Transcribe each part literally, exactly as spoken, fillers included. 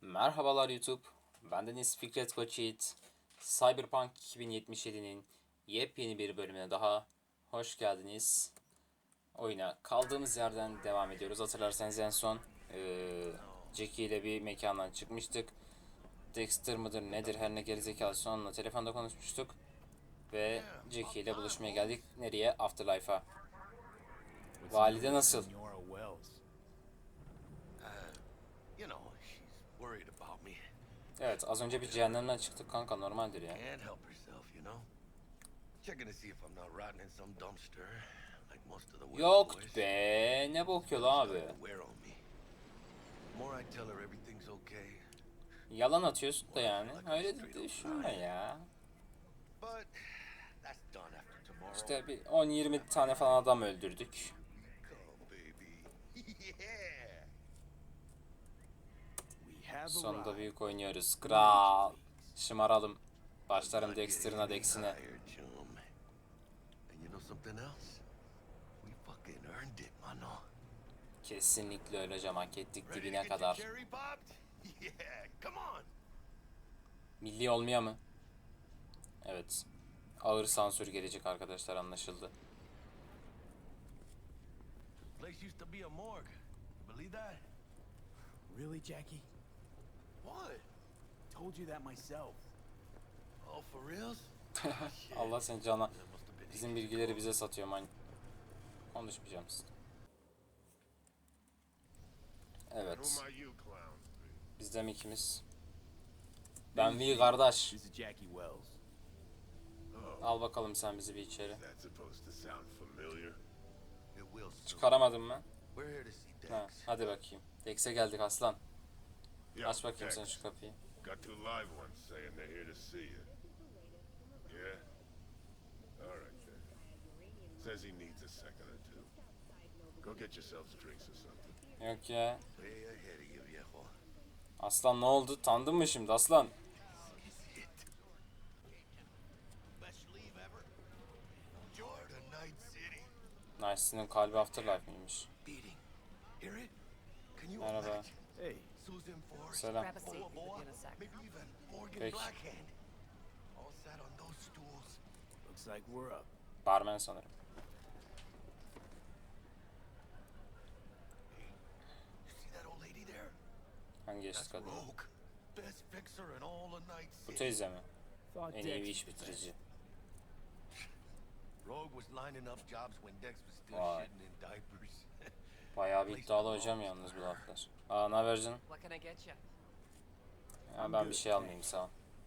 Merhabalar YouTube. Bendeniz Fikret Koçyiğit. Cyberpunk iki bin yetmiş yedi'nin yepyeni bir bölümüne daha hoş geldiniz. Oyuna kaldığımız yerden devam ediyoruz. Hatırlarsanız en son ee, Jackie ile bir mekandan çıkmıştık. Dexter mıdır nedir her ne gerizekalısı onunla telefonda konuşmuştuk. Ve Jackie ile buluşmaya geldik. Nereye? Afterlife'a. Valide nasıl? Evet, az önce bir cehennemden çıktık kanka, normaldir ya. Yok be, ne bakıyor abi? Yalan atıyorsun da yani, öyle de düşünme ya. İşte bir on yirmi tane falan adam öldürdük. Sonunda büyük oynuyoruz. Kral. Şımaralım. Başlarım Dexter'ına Dex'ine. Kesinlikle öleceğim, hak ettik dibine kadar. Milli olmaya mı? Evet. Ağır sansür gelecek arkadaşlar, anlaşıldı. Really, Jackie? What? Told you that myself. Oh, for reals? Allah seni cana. Bizim bilgileri bize satıyor man. Konuşmayacağım size. Evet. Bizden ikimiz. Ben V kardeş. Al bakalım sen bizi bir içeri. Çıkaramadım mı? Ha, hadi bakayım. Dex'e geldik aslan. Aç bakayım sen şu kapıyı. Got two live ones saying they're here to see you. Yeah? Alright then. Says he needs a second or two. Go get yourselves drinks or something. Yok ya. Aslan ne oldu? Tandın mı şimdi aslan? Nice'nin kalbi Afterlife miymiş? Merhaba. Selam. Peki. Barmen sanırım. Hangi yaşlı kadın? Bu teyze mi? En iyi bir iş bitirici. Vay. Bayağı bir iddialı hocam yalnız bu laflar. Aa, ne haber canım? Ya ben bir şey almayayım, sağ ol.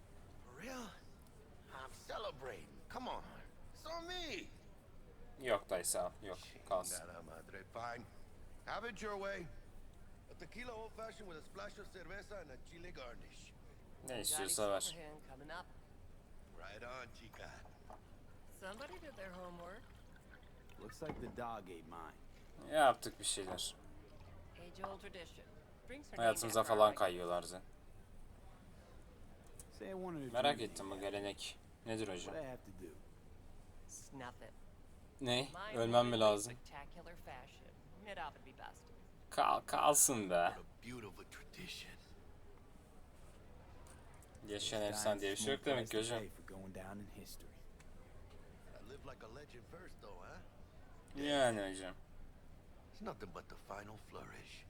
Yok dayı, sağ ol. Yok, kalsın. Have it your way. A tequila old fashioned with a splash of cerveza and a chile garnish. Ne istiyorsa ver. Right on, chica. Somebody did their homework. Looks like the dog ate mine. Yaptık bir şeyler. Age old tradition. Drinks are Hayatımıza named after falan our kayıyorlar zaten. Say I wanted to Merak drink ettim bu gelenek. Nedir hocam? what I have to do. Snuff it. Ne? Mine Ölmem mi really lazım? Spectacular fashion. It ought to be best. Kal kalsın be. Beautiful tradition. Yaşayan efsane diye bir şey yok demek ki hocam. For going down in history. I live like a legend first though, huh? Yani hocam. It's nothing but the final flourish.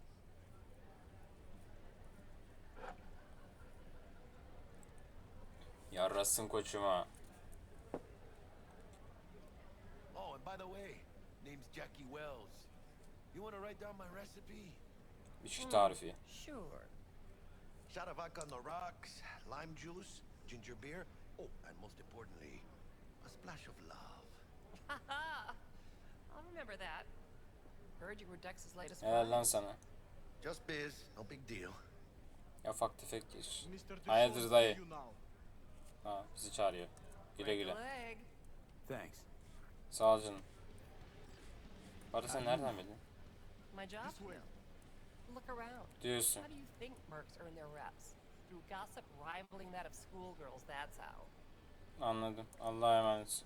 Yarrasın koçuma. Oh, and by the way, name's Jackie Wells. You want to write down my recipe? İçki tarifi. Sure. Shot of vodka on the rocks, lime juice, ginger beer. Oh, and most importantly, a splash of love. Haha. I'll remember that. Heard you were Dex's latest Helal lan find. sana. Just biz, no big deal. Ya ufak tefek iş. Hayırdır dayı? Ha, bizi çağırıyor. Güle Break a güle. leg. Thanks. Sağ ol canım. Barı sen nereden bildin? My job? No. Look around. Diyorsun. How do you think mercs earn their reps? Through gossip rivaling that of schoolgirls, that's how. Anladım. Allah'a emanet.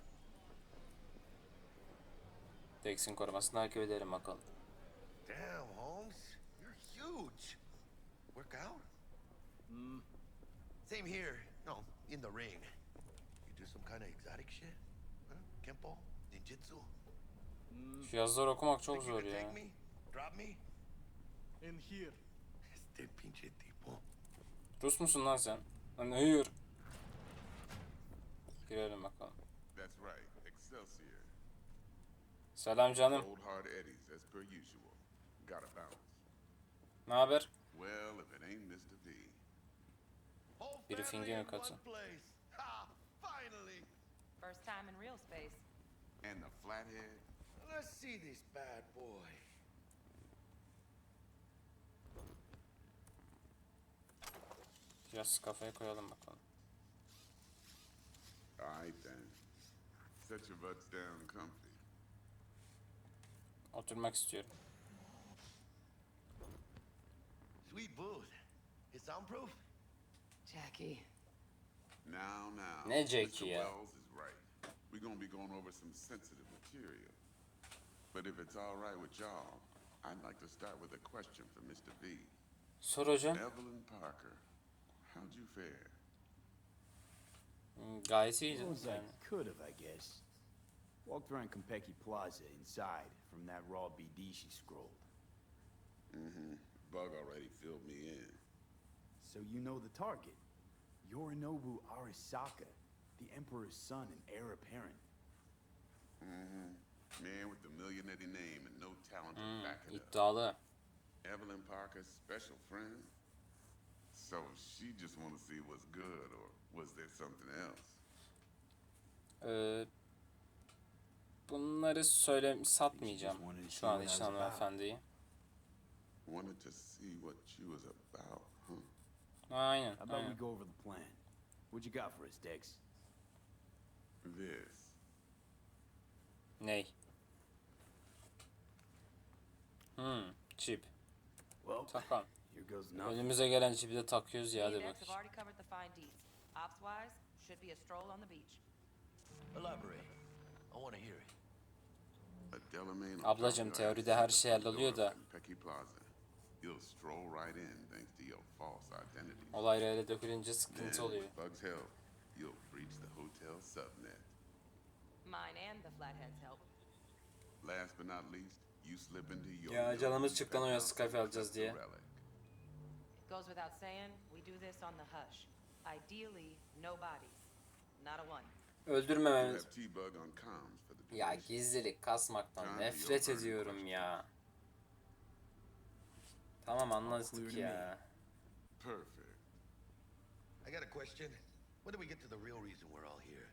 Dex'in korumasını takip edelim bakalım. Damn, Holmes, you're huge. Work out? Same here. No, in the ring. You do some kind of exotic shit? Huh? Kempo? Ninjutsu? Şu yazıları okumak çok Think you zor could take ya. me? Drop me? In here. Este pinche tipo. Rus musun lan sen? Lan hayır. Girelim bakalım. That's right, Excelsior. Selam canım. Old hard eddies, as per usual. Gotta bounce. Ne haber? Well, if it ain't mister V. Whole Biri family finger in katı. one place. Ha! Finally! First time in real space. And the flathead. Let's see this bad boy. Biraz kafaya koyalım bakalım. Alright then. Set your butts down comfy. Oturmak istiyorum. Sweet booth. It's soundproof? Jackie. Now, now. Ne Jackie mister ya? Wells is right. We're gonna be going over some sensitive material. But if it's all right with y'all, I'd like to start with a question for mister V. Sor hocam. Evelyn Parker, how'd you fare? Hmm, Gayet iyiydi. As I Yani. could have, I guess. Walked around Konpeki Plaza inside from that raw B D she scrolled. Mm-hmm. Bug already filled me in. So you know the target. Yorinobu Arasaka, the Emperor's son and heir apparent. Mm-hmm. Man with the millionaire name and no talent to Hmm, back it up. iddialı. Evelyn Parker's special friend? So she just want to see what's good, or was there something else? Ee, bunları söyle satmayacağım şu an için hanımefendiyi. Wanted to see what she was about, huh? Aynen. How about we aynen. go over the plan? What you got for us, Dex? This. Ney? Hmm, çip. Well, Takalım. here goes nothing. Önümüze gelen çipi de takıyoruz ya, Me hadi and X have bak. already covered the fine deets. Ops-wise, should be a stroll on the beach. Elaborate. I want to hear it. A Delamain Ablacım, teoride her şey halloluyor da. Pecky Plaza. You'll stroll right in thanks to your false identity. Olay öyle dökülünce Then, sıkıntı oluyor. with Bug's help, you'll breach the hotel subnet. Mine and the Flathead's help. Last but not least, you slip into your Ya, canımız Yogi çıktı lan o penthouse Skype and alacağız collect the diye. relic. Goes without saying, we do this on the hush. Ideally, no bodies. Not a one. You Öldürmememiz. have T-Bug on comms for the Ya duration. gizlilik kasmaktan nefret ediyorum ya. Tamam, anladık ya. Perfect. I got a question. When do we get to the real reason we're all here?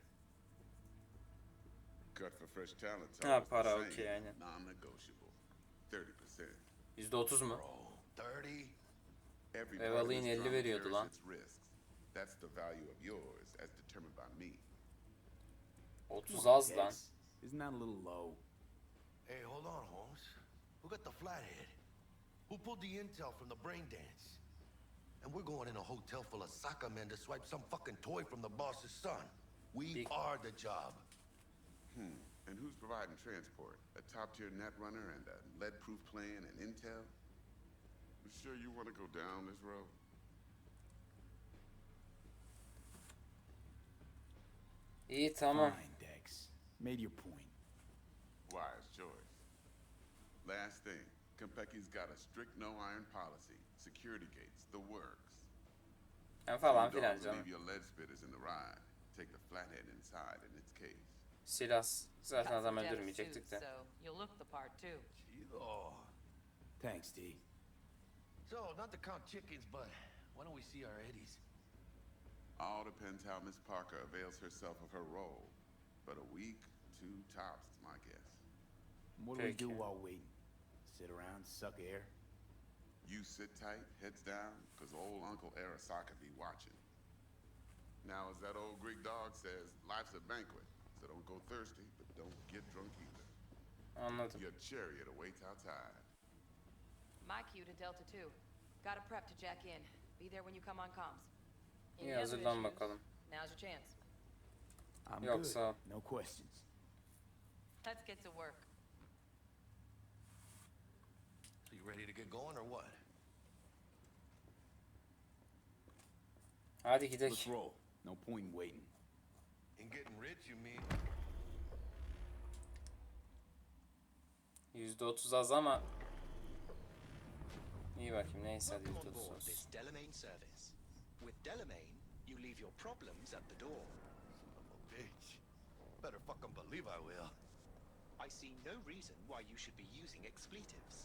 Cut for fresh talent. Ha, para, okey, aynen. Non-negotiable. thirty percent. yüzde otuz mu? Bro, thirty? Every Ev part of alayın this elli drama veriyordu carries lan. its risks. That's the value of yours as determined by me. otuz az lan. Dex, isn't that a little low? Hey, hold on, Holmes. Who got the flathead? Who pulled the intel from the brain dance? And we're going in a hotel full of soccer men to swipe some fucking toy from the boss's son. We Big- are the job. Hmm. And who's providing transport? A top-tier net runner and a lead-proof plan and intel? You sure you want to go down this road? İyi, tamam. Fine, Dex. Made your point. Wise choice. Last thing, Konpeki's got a strict no-iron policy. Security gates, the works. Ya falan You filan dogs canım. leave your lead spitters in the ride. Take the flathead inside in its case. Silah zaten Got adam some depth öldürmeyecektik suits, de. so you'll look the part too. Oh. Thanks, D. So, not to count chickens, but why don't we see our eddies? All depends how Miss Parker avails herself of her role. But a week, two tops, is my guess. What do we do Peki. while waiting? Sit around, suck air? You sit tight, heads down, because old Uncle Arasaka be watching. Now, as that old Greek dog says, life's a banquet. So don't go thirsty, but don't get drunk either. Anladım. Your chariot awaits outside. My cue to Delta two. Gotta prep to jack in. Be there when you come on comms. Any İyi, other hazırlan issues? bakalım. Now's your chance. I'm Yok, good. sağ ol. No questions. Let's get to work. So you ready to get going or what? Hadi Let's gidelim. roll. No point in waiting. In getting rich, you mean? yüzde otuz az ama iyi bakayım, neyse hadi Welcome yüzde on otuz board olsun. this Delamain service. With Delamain, you leave your problems at the door. Son of a bitch. Better fucking believe I will. I see no reason why you should be using expletives.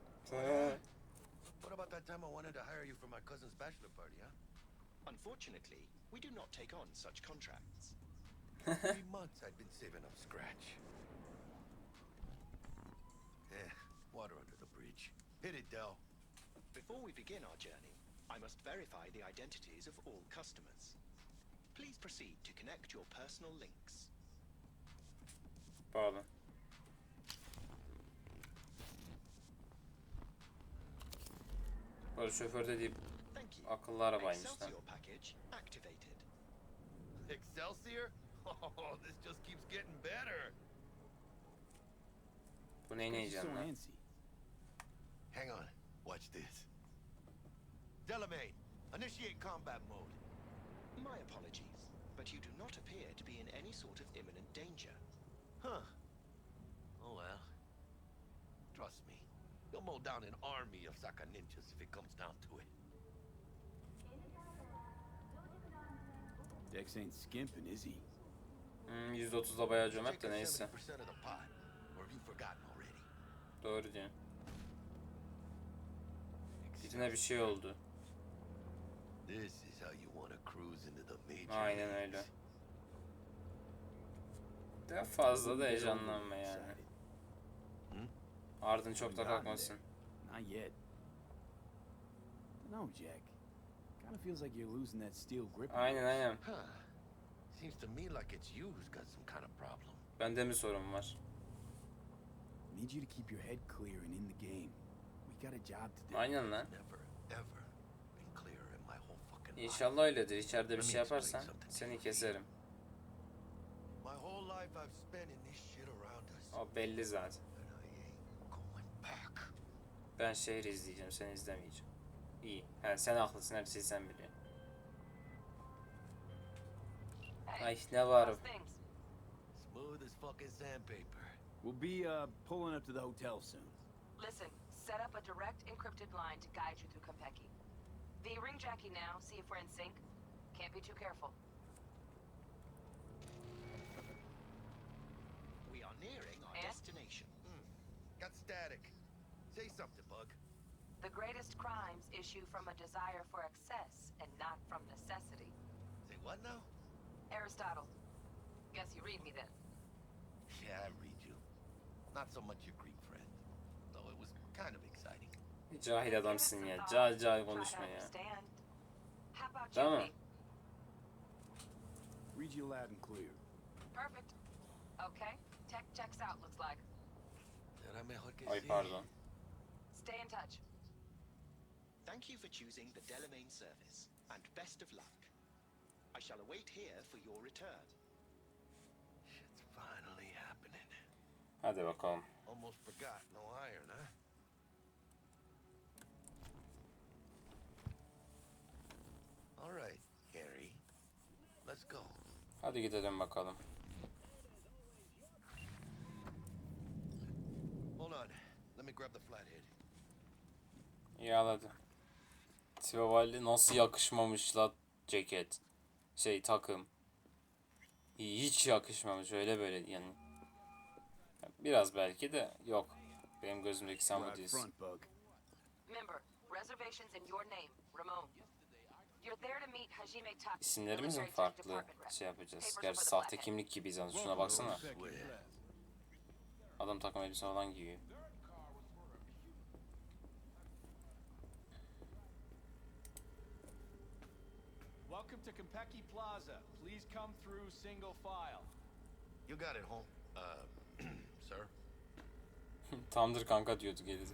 What about that time I wanted to hire you for my cousin's bachelor party, huh? Unfortunately, we do not take on such contracts. Three months I'd been saving up scratch. Eh, water under the bridge. Hit it, Del. Before we begin our journey, I must verify the identities of all customers. Please proceed to connect your personal links. Pardon. Bu şoför dediği Thank you. akıllı arabaymış lan. Excelsior package activated. Excelsior? Oh, this just keeps getting better. Bu neyi She's so yiyeceksin lan? antsy. Hang on. Watch this. Delamain, initiate combat mode. My apologies, but you do not appear to be in any sort of imminent danger. Huh. Oh well. Trust me. You'll mow down an army of Saka ninjas if it comes down to it. Dex ain't skimping, is he? Hmm, yüzde otuzda bayağı cömert de Take neyse. seventy percent of the pot. Or have you forgotten already? Doğru diyorsun. Birine bir şey oldu. This is how you want to cruise into the major Aynen leagues. öyle. Daha fazla da heyecanlanma yani. Excited. Ardın çok da kalkmasın. Not yet. No, Jack. Kind of feels like you're losing that steel grip. of Aynen yours. aynen. Huh. Seems to me like it's you who's got some kind of problem. Bende mi sorun var? Need you to keep your head clear and in the game. We got a job to do. Aynen lan. Never, ever been clearer in my whole fucking life. İnşallah öyledir. İçeride bir şey yaparsan seni keserim. My whole life I've spent in this shit around us. O belli zaten. And I ain't going back. Ben şehri izleyeceğim, sen izlemeyeceğim. İyi. He, sen haklısın, her şeyi sen biliyorsun. Ay ne var? How's things? Smooth as fucking sandpaper. We'll be uh, pulling up to the hotel soon. Listen, set up a direct encrypted line to guide you through Konpeki. V, ring Jackie now, see if we're in sync. Can't be too careful. We are nearing our And? destination. Hmm. Got static. Say something, Bug. The greatest crimes issue from a desire for excess and not from necessity. Say what now? Aristotle. Guess you read me then. Yeah, I read you. Not so much your Greek friend. Though it was kind of exciting. Cahil adamsın ya. Cahil cahil konuşma ya. How about Tamam. you, V? Read you loud and clear. Perfect. Okay, tech checks out, looks like. Será mejor que Ay sí. pardon. Stay in touch. Thank you for choosing the Delamain service, and best of luck. I shall await here for your return. Shit's finally happening. Hadi bakalım. Almost forgot, no iron, huh? All right, Harry. Let's go. Hadi gidelim bakalım. Hold on. Let me grab the flathead. Yağladı. Tiavalli nasıl yakışmamış la ceket. Şey takım. Hiç yakışmamış öyle böyle yani. Biraz belki de yok. Benim gözümdeki sen bu Right değilsin. front, Bug. Member, reservations in your name, Ramon. You're there to meet Hajime Taki. İsimlerimiz mi military tech farklı department rep. şey yapacağız? Papers Gerçi over the sahte flathead. kimlik gibiyiz yalnız. Şuna baksana. Swear. Adam takım elbise falan giyiyor. Welcome to Konpeki Plaza. Please come through single file. You got it, home. Uh, sir? Tamdır kanka diyordu gerisi.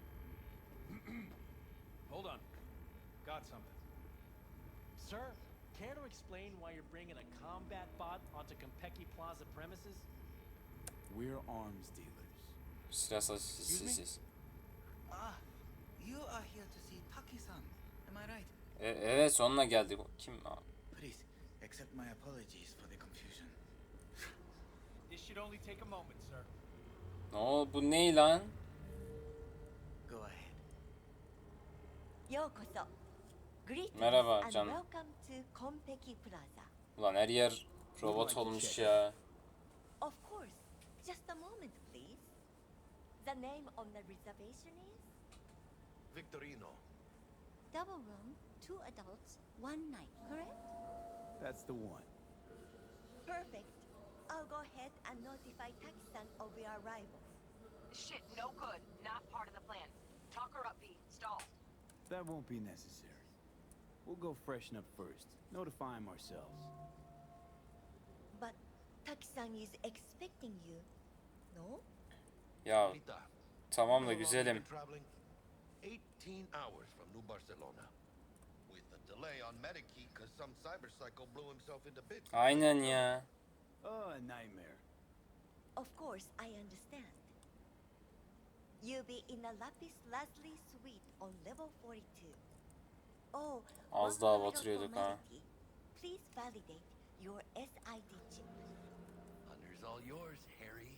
Hold on. Got something. Sir, care to explain why you're bringing a combat bot onto Konpeki Plaza premises? We're arms dealers. Silah sessiz. Ah, you are here to see Taki-san. Am I right? E- evet sonuna geldik. Kim? Please, accept my apologies for the confusion. This should only take a moment, sir. Ne o bu ne lan? Go ahead. ようこそ。Greetings Merhaba and canım. welcome to Konpeki Plaza. Ulan her yer robot olmuş ya. Of course. Just a moment, please. The name on the reservation is Victorino. double room, two adults, one night, correct? That's the one. Perfect. I'll go ahead and notify Taki-san of your arrival. Shit, no good. Not part of the plan. Talk her up, V. Stall. That won't be necessary. We'll go freshen up first. Notify him ourselves. But Taki-san is expecting you, no? Ya Rita, tamam you da know how long we've güzelim. been traveling? eighteen hours from New Barcelona. With a delay on Medikey because some cyber psycho blew himself into bits. Aynen ya. Oh, a nightmare. Of course, I understand. You'll be in the Lapis Lazuli suite on level forty-two. Oh, Az one daha more batırıyorduk ha. formality. Please validate your S I D chip. Honor's all yours, Harry.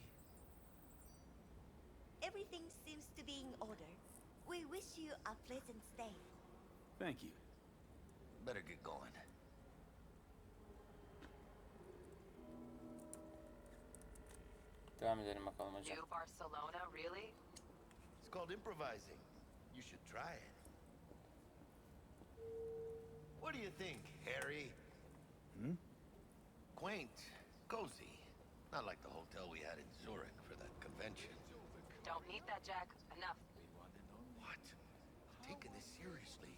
Everything seems to be in order. We wish you a pleasant stay. Thank you. Better get going. Devam edelim bakalım hocam. New Barcelona, really? It's called improvising. You should try it. What do you think, Harry? Hmm? Quaint, cozy. Not like the hotel we had in Zurich for that convention. Don't need that, Jack. Enough. What? Taking this seriously.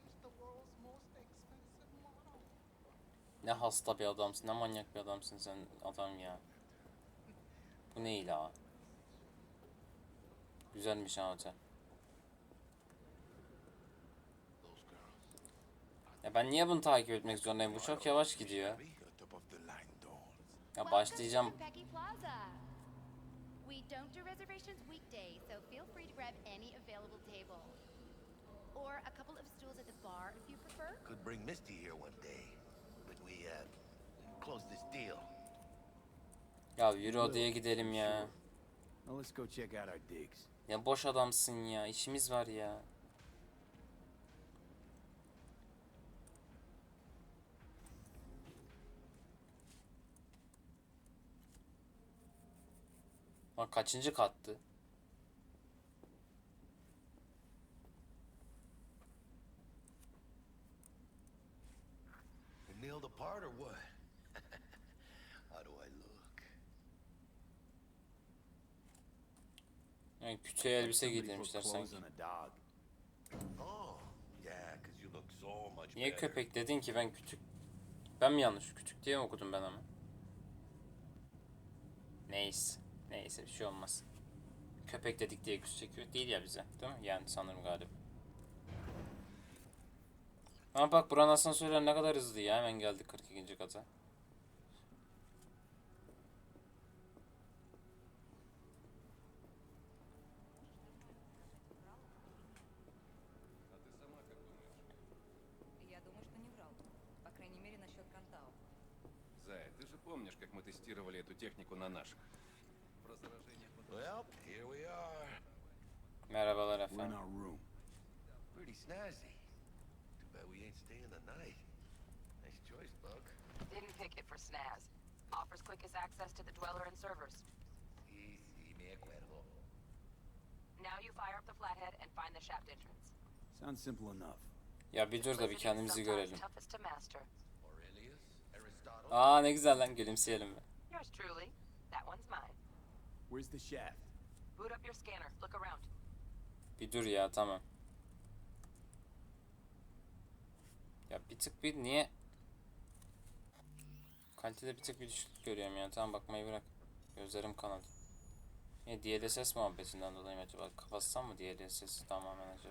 Ne hasta bir adamsın, ne manyak bir adamsın sen adam ya. Bu ne ila? Güzelmiş ha otel. Ya ben niye bunu takip etmek zorundayım? Bu çok yavaş gidiyor. Ya başlayacağım. Welcome to Konpeki Plaza. We don't do reservations weekdays, so feel free to grab any available table. Or a couple of stools at the bar if you prefer. Could bring Misty here one day. But we, uh, close this deal. Ya yürü odaya gidelim ya. Now let's go check out our digs. Ya boş adamsın ya. İşimiz var ya. Bak kaçıncı kattı? You nailed the part or what? How do I look? Yani kütüğe elbise Somebody put giydirmişler clothes sanki. on a dog. Oh, yeah, because you look so much Niye better. köpek dedin ki ben kütük? Ben mi yanlış? Kütük diye mi okudum ben ama? Neyse. Neyse bir şey olmaz. Köpek dedik diye küs çekiyor. Değil ya bize. Değil mi? Yani sanırım galiba. Ama bak buranın asansörler ne kadar hızlı ya. Hemen geldik kırk ikinci kata. Я думаю, что не врал. По крайней мере, насчет Кантау. Зая, ты же помнишь, как мы тестировали эту технику на наших? Про заражение под... Well, here we are. Merhabalar We're in efendim. our room. Pretty snazzy. Too bad we ain't staying the night. Nice choice, Buck. Didn't pick it for snaz. Offers quickest access to the dweller and servers. Sí, sí, me acuerdo. Now you fire up the flathead and find the shaft entrance. Sounds simple enough. Ya bir dur da bir Simplicity is kendimizi sometimes görelim. toughest to master. Aurelius, Aristotle. Aa ne güzel lan gülümseyelim mi? Yours truly. That one's mine. Where's the shaft? Boot up your scanner. Look around. Bir dur ya tamam. Ya bir tık bir niye? Kalitede bir tık bir düşüklük görüyorum ya. Tamam bakmayı bırak. Gözlerim kanadı. Ne D L S S muhabbetinden dolayı mı acaba? Kapatsam mı D L S S'i tamamen acaba?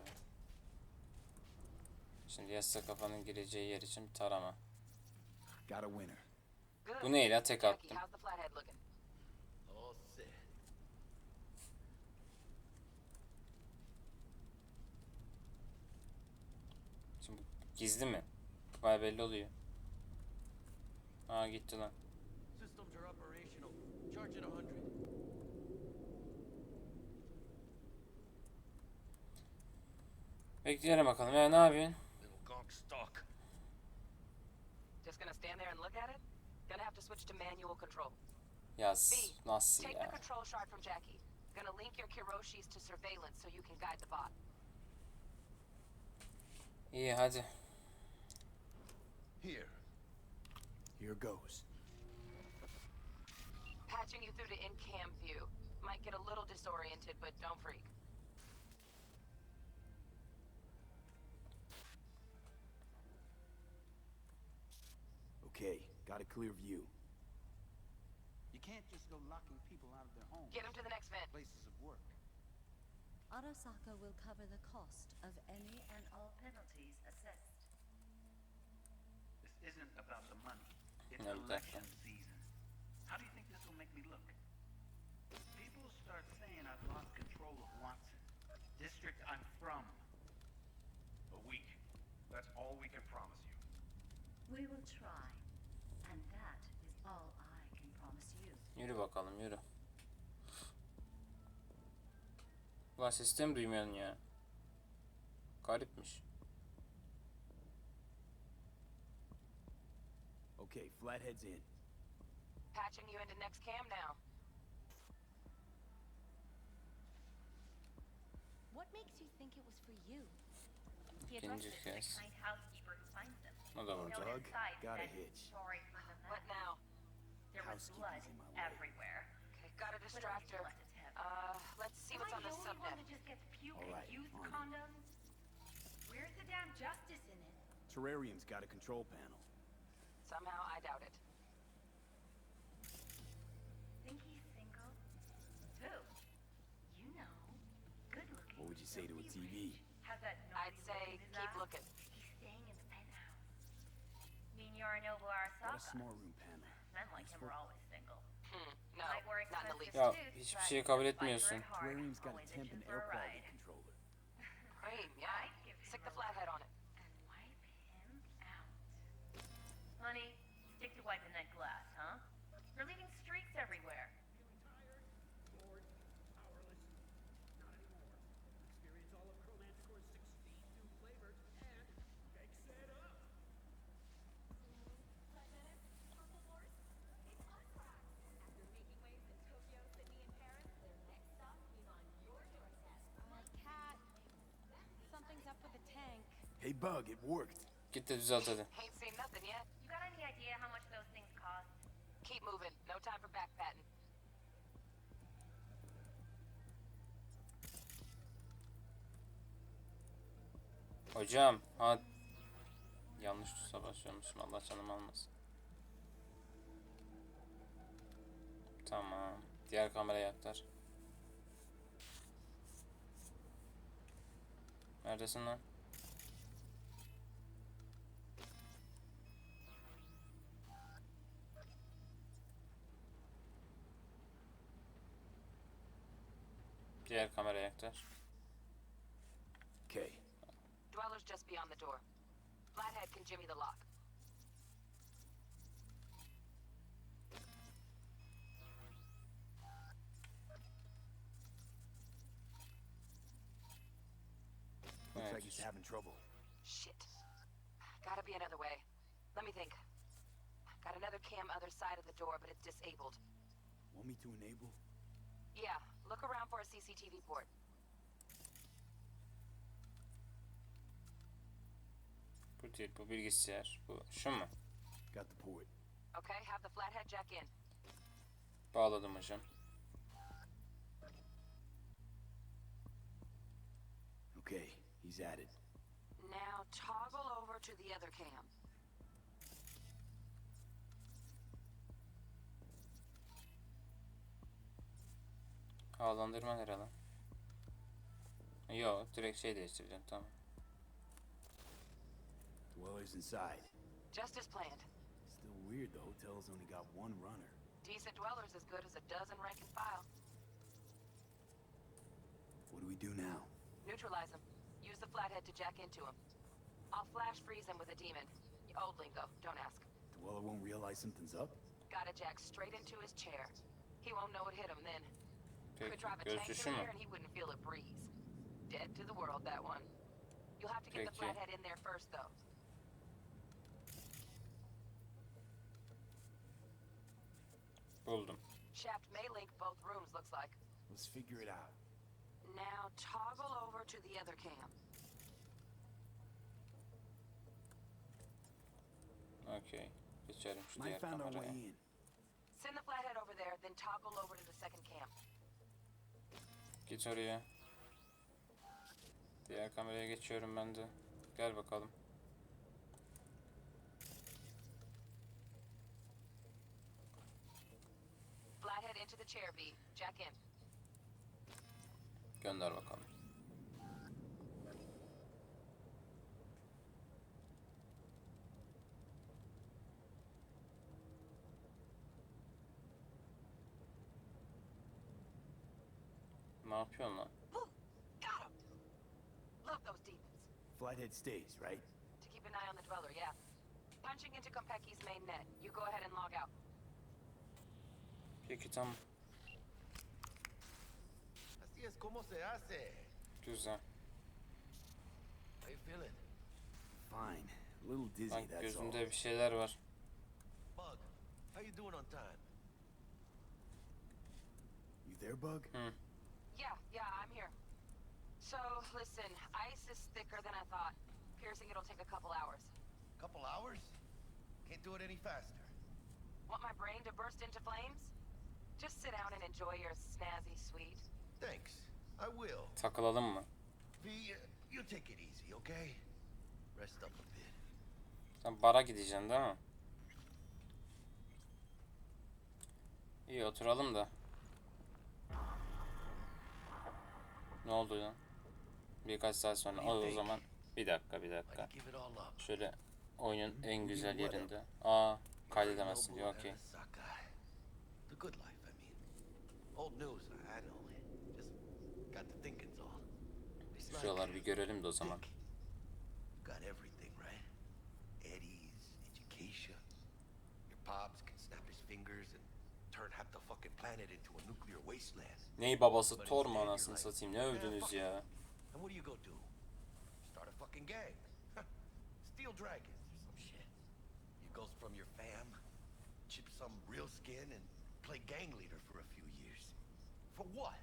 Şimdi yassı kafanın gireceği yer için bir tarama. Got a winner. Good. Bu neyle tek Jackie, attım. how's the flathead looking? All set. Şimdi Gizli mi? Vay belli oluyor. Aa gitti lan. Systems are operational. Charge it a hundred. Bekleyelim bakalım. Ya ne yapıyorsun? Little gunk stock. Just gonna stand there and look at it? Gonna have to switch to manual control. Ya B, s- nasıl take the ya? control shard from Jackie. Gonna link your Kiroshis to surveillance so you can guide the bot. İyi hadi. Here. Here goes. Patching you through to in-cam view. Might get a little disoriented, but don't freak. Okay, got a clear view. You can't just go locking people out of their homes. Get him to the next vent. Places of work. Arasaka will cover the cost of any and all penalties assessed. This isn't about the money. It's No, election definitely. season. How do you think this will make me look? People start saying I've lost control of Watson, district I'm from. A week. That's all we can promise you. We will try, and that is all I can promise you. Yürü bakalım yürü. Ulan sesini mi duymuyorsun ya? Garipmiş. Okay, Flathead's in. Patching you into next cam now. What makes you think it was for you? He İkinci addressed it to the kez. kind housekeeper who finds them. O da burada. Doug, got a hitch. Sorry for the What mess. now? There was blood Housekeeping's in my way. everywhere. Okay, gotta But at distract least her. left its head. Uh, let's see what's on the subnet. That just gets puke All right, and used on it. condoms? Where's the damn justice in it? Terrarium's got a control panel. Somehow, I doubt it. Think he's single? Who? You know. Good looking. What would you say to a T V? Has that I'd naughty say look in his keep eye? looking. He's staying in the penthouse. Mean Yorinobu Got a Arasaka? small room panel. Men like him Useful. are always single. Hmm, no, Might wear not in the expensive least. Ya suits, hiçbir but şeyi kabul fight etmiyorsun. for it hard. Terrarium's got a Always temp and itching air for a quality ride. controller. Cream, yeah. I'd give Stick him the a flathead on it. And wipe him out. Honey, stick to wiping that glass, huh? You're leaving streaks everywhere. My cat. Something's up with the tank. Hey, Bug, it worked. Git de düzelt hadi. Ain't seen nothing yet. You got any idea how much those things cost? Keep moving. No time for backpatting. Hocam ha yanlış tuşa basıyormuşum. Allah canımı almasın. Tamam. Diğer kameraya aktar. Neredesin lan? Diğer kameraya aktar. Okay, Dweller's just beyond the door. Flathead can jimmy the lock. looks like Evet. he's having trouble. Shit. Gotta be another way. Let me think. Got another cam other side of the door, but it's disabled. Want me to enable? Yeah, look around for a C C T V port. Bu değil, bu bilgisayar. Bu şu mu? Got the port. Okay, have the flathead jack in. Bağladım hocam. Okay, he's at it. Now toggle over to the other cam. Havalandırma nerede lan? Yo, direkt şey değiştireceğim, tamam. Dweller's inside. Just as planned. Still weird the hotel's only got one runner. Decent dweller's as good as a dozen rank and file. What do we do now? Neutralize him. Use the flathead to jack into him. I'll flash freeze him with a demon. Old lingo, don't ask. Dweller won't realize something's up? Gotta jack straight into his chair. He won't know it hit him then. Could Peki, drive a tank gözcüsü through mü? there and he wouldn't feel a breeze. Dead to the world, that one. You'll have to get the Peki. flathead in there first, though. Buldum. Shaft may link both rooms, looks like. Let's figure it out. Now toggle over to the other cam. Okey. Geçelim şu Might diğer found our way kameraya. in. Send the flathead over there, then toggle over to the second cam. Git oraya. Diğer kameraya geçiyorum ben de. Gel bakalım. Flathead into the chair, V. Jack in. Gönder bakalım. Ne yapıyorsun lan? Got him! Love those demons. Flathead stays, right? To keep an eye on the dweller, yeah. Punching into Konpeki's main net. You go ahead and log out. Peki tamam. Así es como se hace. Güzel. How you feeling? Fine. A little dizzy, Bak that's all. gözümde bir şeyler var. Bug, how you doing on time? You there, Bug? Hı. Yeah, yeah, I'm here. So, listen, ice is thicker than I thought. Piercing it'll take a couple hours. Couple hours? Can't do it any faster. Want my brain to burst into flames? Just sit down and enjoy your snazzy sweet. Thanks. I will. Takılalım mı? V, uh, you take it easy, okay? Rest up a bit. Sen bara gideceksin değil mi? İyi oturalım da. Ne oldu lan? Birkaç saat sonra. O, o zaman bir dakika bir dakika. Give it all up. Şöyle oyunun en güzel yerinde. Aa kaydedemezsin diyor. Okey. The good life, I mean. Old news, I know. Just got to thinking's all. It's like Şuralar bir görelim de o zaman. got everything, right? Eddie's, education. Your pops can snap his fingers and turn half the fucking planet into a nuclear wasteland. Ney babası Thor mu anasını satayım? Ne övdünüz ya? And what do you go do? Start a fucking gang. Steel dragons or some shit. You goes from your fam, chip some real skin, and play gang leader for a few years. For what?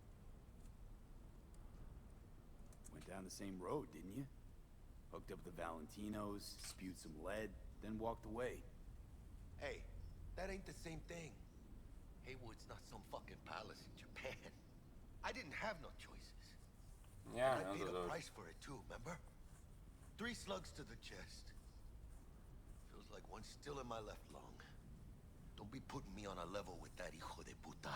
Went down the same road, didn't you? Hooked up with the Valentinos, spewed some lead, then walked away. Hey, that ain't the same thing. Haywood's not some fucking palace in Japan. I didn't have no choices. Yani I o paid da a doğru. price for it too, remember? Three slugs to the chest. Feels like one's still in my left lung. Don't be putting me on a level with that hijo de puta.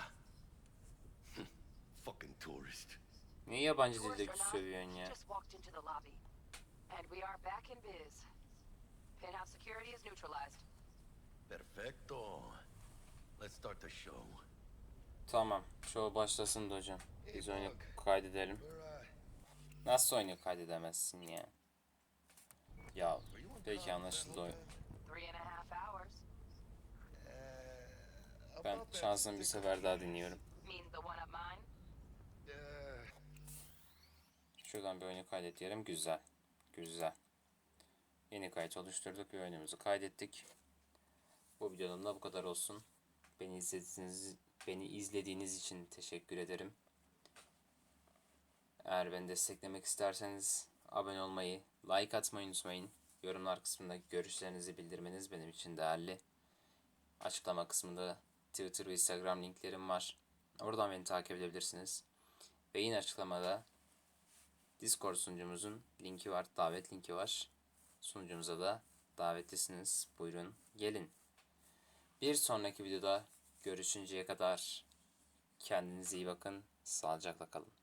Fucking tourist. Niye yabancı Tourist dilde or not, sövüyorsun he ya? just walked into the lobby. And we are back in biz. Penthouse security is neutralized. Perfecto. Let's start the show. Tamam. Show başlasın da hocam. Biz Hey, oyunu Bug. kaydedelim. We're, uh, Nasıl oyunu kaydedemezsin ya? Ya peki anlaşıldı oyun. Three and a half hours. uh, Ben about that şansını bir stick sefer of daha cheese. dinliyorum. Mean the one up mine? Uh, Şuradan bir oyunu kaydet diyelim. Güzel. Güzel. Yeni kayıt oluşturduk ve oyunumuzu kaydettik. Bu videonun da bu kadar olsun. Beni izlediğiniz, beni izlediğiniz için teşekkür ederim. Eğer beni desteklemek isterseniz abone olmayı, like atmayı unutmayın. Yorumlar kısmında görüşlerinizi bildirmeniz benim için değerli. Açıklama kısmında Twitter ve Instagram linklerim var. Oradan beni takip edebilirsiniz. Ve yine açıklamada Discord sunucumuzun linki var, davet linki var. Sunucumuza da davetlisiniz. Buyurun gelin. Bir sonraki videoda görüşünceye kadar kendinize iyi bakın. Sağlıcakla kalın.